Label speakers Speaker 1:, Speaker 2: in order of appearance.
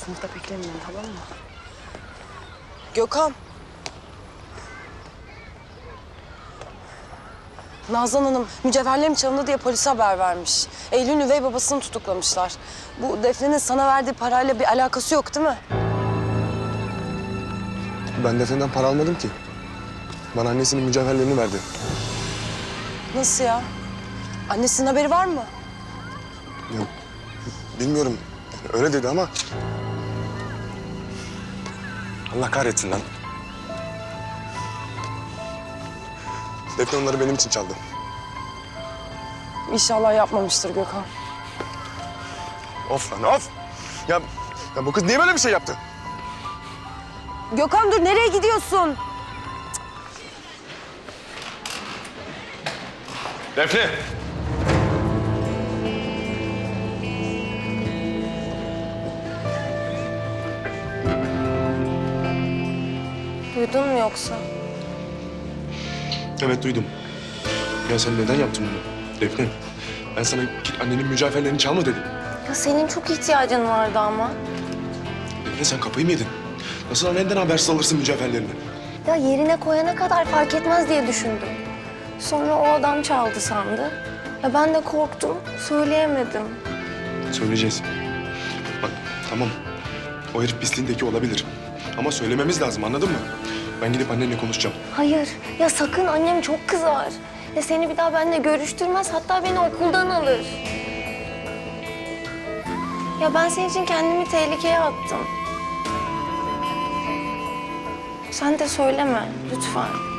Speaker 1: Sınıfta beklemeyin, tamam mı? Gökhan. Nazan Hanım mücevherlerim çalındı diye polise haber vermiş. Eylül'ün üvey babasını tutuklamışlar. Bu Defne'nin sana verdiği parayla bir alakası yok değil mi?
Speaker 2: Ben Defne'den para almadım ki. Bana annesinin mücevherlerini verdi.
Speaker 1: Nasıl ya? Annesinin haberi var mı?
Speaker 2: Ya, bilmiyorum. Yani öyle dedi ama... Allah kahretsin lan. Defne onları benim için çaldı.
Speaker 1: İnşallah yapmamıştır Gökhan.
Speaker 2: Of lan of! Ya bu kız niye böyle bir şey yaptı?
Speaker 1: Gökhan dur, nereye gidiyorsun?
Speaker 2: Defne!
Speaker 1: Duydun mu yoksa?
Speaker 2: Evet duydum. Ya sen neden yaptın bunu? Defne, ben sana git annenin mücevherlerini çalma dedim.
Speaker 1: Ya senin çok ihtiyacın vardı ama.
Speaker 2: Defne sen kafayı mı yedin? Nasıl annenden habersiz alırsın mücevherlerini?
Speaker 1: Ya yerine koyana kadar fark etmez diye düşündüm. Sonra o adam çaldı sandı. Ya ben de korktum, söyleyemedim.
Speaker 2: Söyleyeceğiz. Bak tamam, o herif pisliğindeki olabilir. Ama söylememiz lazım, anladın mı? Ben gidip annenle konuşacağım.
Speaker 1: Hayır, ya sakın, annem çok kızar. Ya seni bir daha benimle görüştürmez, hatta beni okuldan alır. Ya ben senin için kendimi tehlikeye attım. Sen de söyleme, lütfen.